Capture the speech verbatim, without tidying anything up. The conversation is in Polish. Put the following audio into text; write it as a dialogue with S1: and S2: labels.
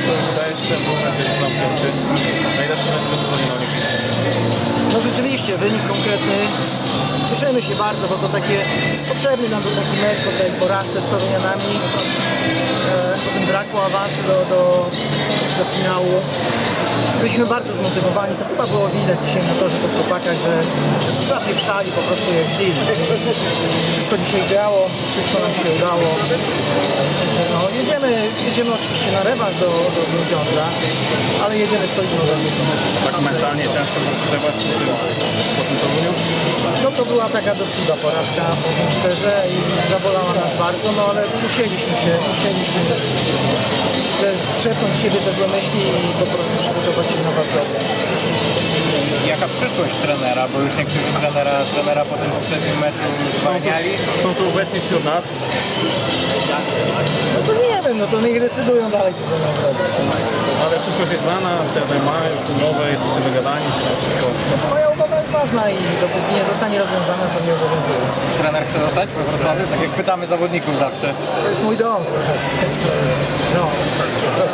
S1: to wydaje się, że był mecz jest zamknięty. Najlepszy mecz w sezonie na Olimpijskim.
S2: No rzeczywiście, wynik konkretny. Cieszymy się bardzo, bo to takie potrzebny nam był taki mecz po tej porażce z Torunianami. E, po tym braku awansu do, do, do finału. Byliśmy bardzo zmotywowani, to chyba było widać dzisiaj na torze po chłopakach, że zapieprzali po prostu jak szli. Wszystko dzisiaj grało, wszystko nam się udało. No, jedziemy, jedziemy oczywiście na rewanż do, do Grudziądza, ale jedziemy solidną zawodniką.
S1: Tak mentalnie ciężko było przeżywać po tym, po tym Toruniu.
S2: No to była taka dotkliwa porażka, powiem szczerze, i zabolała nas bardzo, no ale musieliśmy się, musieliśmy te strzepnąć z siebie te złe myśli i po prostu przygotować się na walkę.
S3: Jaka przyszłość trenera, bo już niektórzy trenera, trenera po tym poprzednim meczu zwalniali.
S1: Są tu obecni wśród nas.
S2: No to nie wiem, no to niech decydują dalej, co ze mną zrobić.
S1: Ale przyszłość jest znana, trener ma już umowę, jesteście wygadani, wszystko.
S2: Znaczy moja umowa jest ważna i dopóki nie zostanie rozwiązana, to nie obowiązuje.
S3: Trener chce zostać we Wrocławiu? Tak jak pytamy zawodników zawsze.
S2: To jest mój dom, słuchajcie. No, to